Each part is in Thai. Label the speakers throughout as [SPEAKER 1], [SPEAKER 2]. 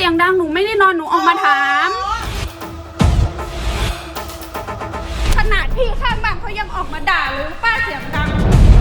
[SPEAKER 1] ยงดังหนูไม่ได้นอนหนูออกมาถามขนาดพี่ข้างบ้านเขายังออกมาด่าเลยป้าเสียงดัง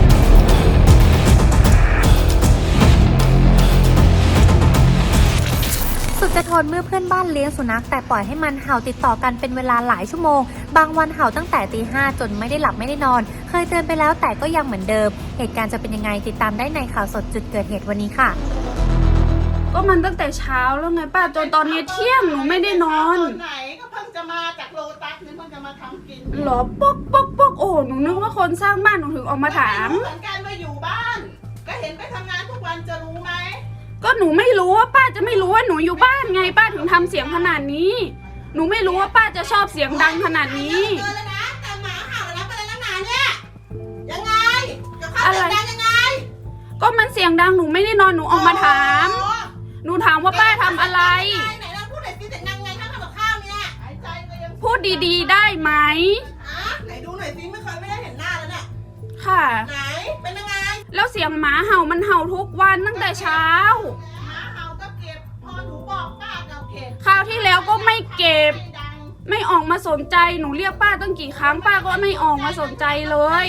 [SPEAKER 2] สุดจะทนเมื่อเพื่อนบ้านเลี้ยงสุนัขแต่ปล่อยให้มันเห่าติดต่อกันเป็นเวลาหลายชั่วโมงบางวันเห่าตั้งแต่ตี 5จนไม่ได้หลับไม่ได้นอนเคยเตือนไปแล้วแต่ก็ยังเหมือนเดิมเหตุการณ์จะเป็นยังไงติดตามได้ในข่าวสดจุดเกิดเหตุวันนี้ค่ะ
[SPEAKER 1] ก็มันตั้งแต่เช้าแล้วไงป้าจนตอนนี้เที่ยงหนูไม่ได้นอน
[SPEAKER 3] ไหนก็เพิ่งจะมาจากโลตัสนี่เพิ่งจะมาทำกิน
[SPEAKER 1] หรอป๊อกป๊อกป๊อกโอ้หนูนึกว่าคนสร้างบ้านหนูถึงออกมาถาม
[SPEAKER 3] เหมือนกันว่าอยู่บ้านก็เห็นไปทำงานทุกวันจะรู้ไหม
[SPEAKER 1] ก็หนูไม่รู้ว่าป้าจะไม่รู้ว่าหนูอยู่บ้านไงป้าถึงทำเสียงขนาดนี้หนูไม่รู้ว่าป้าจะชอบเสียงดังขนาดนี้
[SPEAKER 3] แต่หมาเห่าแล้วเป็นแล้วนะเนี่ยยังไงกับข้าวเสียงดังยังไง
[SPEAKER 1] ก็มันเสียงดังหนูไม่ได้นอนหนูออกมาถามหนูถามว่าป้าทำอะไร
[SPEAKER 3] ไหนเราพูดหน่อยสิเสียงดังไงถ้าทำกับข้าวเนี่ยหายใจก็ยัง
[SPEAKER 1] พูดดีๆได้ไหม
[SPEAKER 3] ไหนดูหน่อยสิไม่ได้เห็นหน้าแล้วเนี่ย
[SPEAKER 1] ค่ะ
[SPEAKER 3] ไหนเป็นยังไง
[SPEAKER 1] แล้วเสียงหมาเห่ามันเห่าทุกวันตั้งแต่เช้า
[SPEAKER 3] หมาเห่าก็เก็บพอหนูบอกป้าเราเก็บ
[SPEAKER 1] คราวที่แล้วก็ไม่เก็บไม่ออกมาสนใจหนูเรียกป้าตั้งกี่ครั้งป้าก็ไม่ออกมาสนใจเลย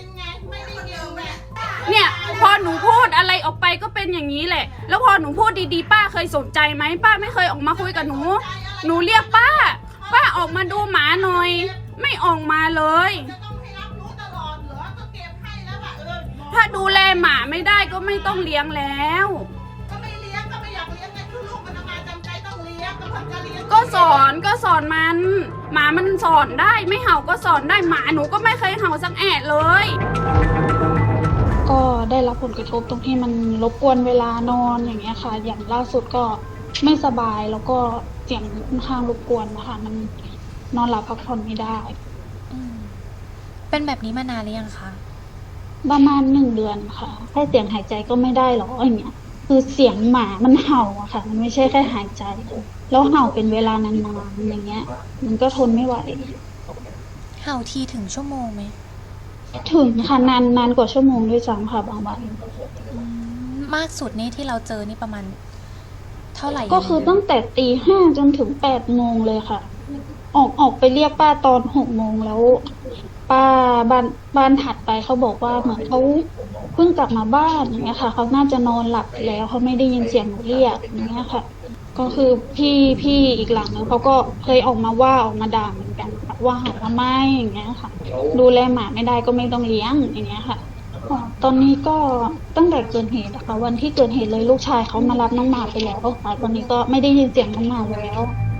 [SPEAKER 1] เนี่ยพอหนูพูดอะไรออกไปก็เป็นอย่างนี้แหละแล้วพอหนูพูดดีๆป้าเคยสนใจไหมป้าไม่เคยออกมาคุยกับหนูเรียกป้าออกมาดูหมาหน่อยไม่ออกมาเลยถ้าดูแลหมาไม่ได้ก็ไม่ต้องเลี้ยงแล้ว
[SPEAKER 3] ก็ไม่เลี้ยงก็ไม่อยากเลี้ยงไงคือลูกมันทำไมจำใจต้องเลี้ยงก็เพิ่งจะเลี้ยง
[SPEAKER 1] ก็สอนมันหมามันสอนได้ไม่เห่าก็สอนได้หมาหนูก็ไม่เคยเห่าสักแอะเลย
[SPEAKER 4] ก็ได้รับผลกระทบตรงที่มันรบกวนเวลานอนอย่างเงี้ยค่ะอย่างล่าสุดก็ไม่สบายแล้วก็เสียงค่อนข้างรบกวนนะคะมันนอนหลับพักผ่อนไม่ได้
[SPEAKER 2] เป็นแบบนี้มานานหรือยังคะ
[SPEAKER 4] ประมาณ1 เดือนค่ะแค่เสียงหายใจก็ไม่ได้หรออย่างเงี้ยคือเสียงหมามันเห่าอะค่ะมันไม่ใช่แค่หายใจแล้วเห่าเป็นเวลานานๆอย่างเงี้ยมันก็ทนไม่ไหว
[SPEAKER 2] เห่าทีถึงชั่วโมงไหม
[SPEAKER 4] ถึงค่ะนานกว่าชั่วโมงด้วยซ้ำค่ะบางวัน
[SPEAKER 2] มากสุดนี่ที่เราเจอนี่ประมาณเท่าไหร่
[SPEAKER 4] ก็คือตั้งแต่ตี 5จนถึง8 โมงเลยค่ะออกไปเรียกป้าตอน6 โมงแล้วป้าบ้านถัดไปเขาบอกว่าเหมือนเขาเพิ่งกลับมาบ้านอย่างเงี้ยค่ะเขาน่าจะนอนหลับแล้วเขาไม่ได้ยินเสียงหนูเรียกอย่างเงี้ยค่ะก็คือพี่อีกหลังนึงเขาก็เคยออกมาด่าเหมือนกันค่ะว่าหาทำไมอย่างเงี้ยค่ะดูแลหมาไม่ได้ก็ไม่ต้องเลี้ยงอย่างเงี้ยค่ะตอนนี้ก็ตั้งแต่เกิดเหตุนะคะวันที่เกิดเหตุเลยลูกชายเขามารับน้องหมาไปแล้วค่ะตอนนี้ก็ไม่ได้ยินเสียงน้องหมาแล้ว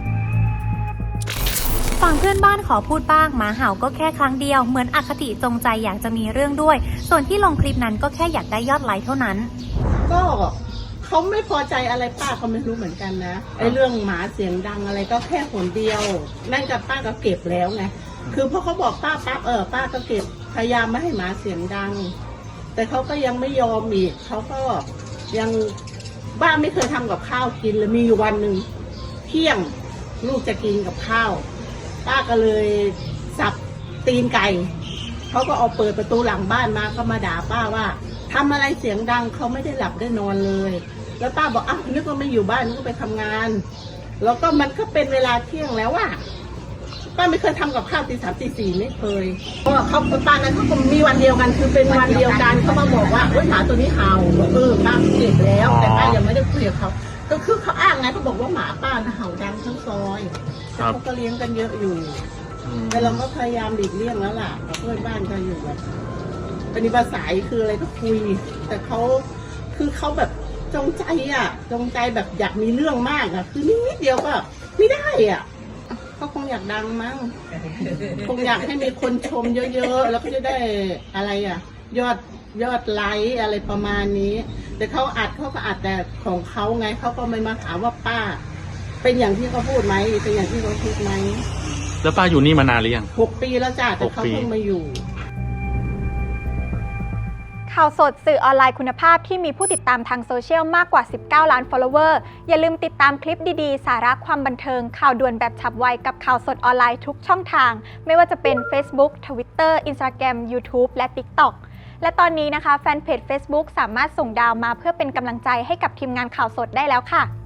[SPEAKER 2] ฝั่งเพื่อนบ้านขอพูดบ้างหมาเห่าก็แค่ครั้งเดียวเหมือนอคติจงใจอยากจะมีเรื่องด้วยส่วนที่ลงคลิปนั้นก็แค่อยากได้ยอดไลค์เท่านั้น
[SPEAKER 3] ก็เขาไม่พอใจอะไรป้าเขาไม่รู้เหมือนกันนะไอ้เรื่องหมาเสียงดังอะไรก็แค่หนเดียวนั่นกับป้าก็เก็บแล้วไงคือพอเขาบอกป้าปั๊บป้าก็เก็บพยายามไม่ให้หมาเสียงดังแต่เขาก็ยังไม่ยอมอีกเขาก็ยังบ้าไม่เคยทำกับข้าวกินเลยมีอยู่วันหนึ่งเที่ยงลูกจะกินกับข้าวป้าก็เลยสับตีนไก่เขาก็เอาเปิดประตูหลังบ้านมาก็มาด่าป้าว่าทำอะไรเสียงดังเขาไม่ได้หลับได้นอนเลยแล้วป้าบอกนึกว่าไม่อยู่บ้านนึกว่าไปทำงานแล้วก็มันก็เป็นเวลาเที่ยงแล้วอะป้าไม่เคยทำกับข้าวตี 3 ตี 4ไม่เคยเพราะเขาป้านั้นเขาก็มีวันเดียวกันคือเป็นวันเดียวกันเขามาบอกว่าหมาตัวนี้เห่าป้าเก็บแล้วแต่ป้ายังไม่ได้คุยกับเขาก็คือเขาอ้างไงเขาบอกว่าหมาป้าเห่าดังทั้งซอยเขาก็เลี้ยงกันเยอะอยู่แต่เราก็พยายามหลีกเลี่ยงแล้วล่ะเพื่อนบ้านก็อยู่แบบปฏิบัติสายคืออะไรก็คุยแต่เขาคือเขาแบบจงใจแบบอยากมีเรื่องมากอะคือนิดเดียวก็ไม่ได้อ่ะเขาคงอยากดังมั้งคงอยากให้มีคนชมเยอะๆแล้วก็จะได้อะไรอ่ะยอดไลค์อะไรประมาณนี้แต่เขาก็อัดแต่ของเขาไงเขาก็ไม่มาถามว่าป้าเป็นอย่างที่เขาพูดไหมเป็นอย่างที่เขาคิดไหม
[SPEAKER 5] แล้วป้าอยู่นี่มานานหรือยัง
[SPEAKER 3] 6 ปีแล้วจ้ะแต่เขาเพิ่งมาอยู่
[SPEAKER 6] ข่าวสดสื่อออนไลน์คุณภาพที่มีผู้ติดตามทางโซเชียลมากกว่า19 ล้าน follower อย่าลืมติดตามคลิปดีๆสาระความบันเทิงข่าวด่วนแบบฉับไวกับข่าวสดออนไลน์ทุกช่องทางไม่ว่าจะเป็น Facebook Twitter Instagram YouTube และ TikTok และตอนนี้นะคะแฟนเพจ Facebook สามารถส่งดาวมาเพื่อเป็นกำลังใจให้กับทีมงานข่าวสดได้แล้วค่ะ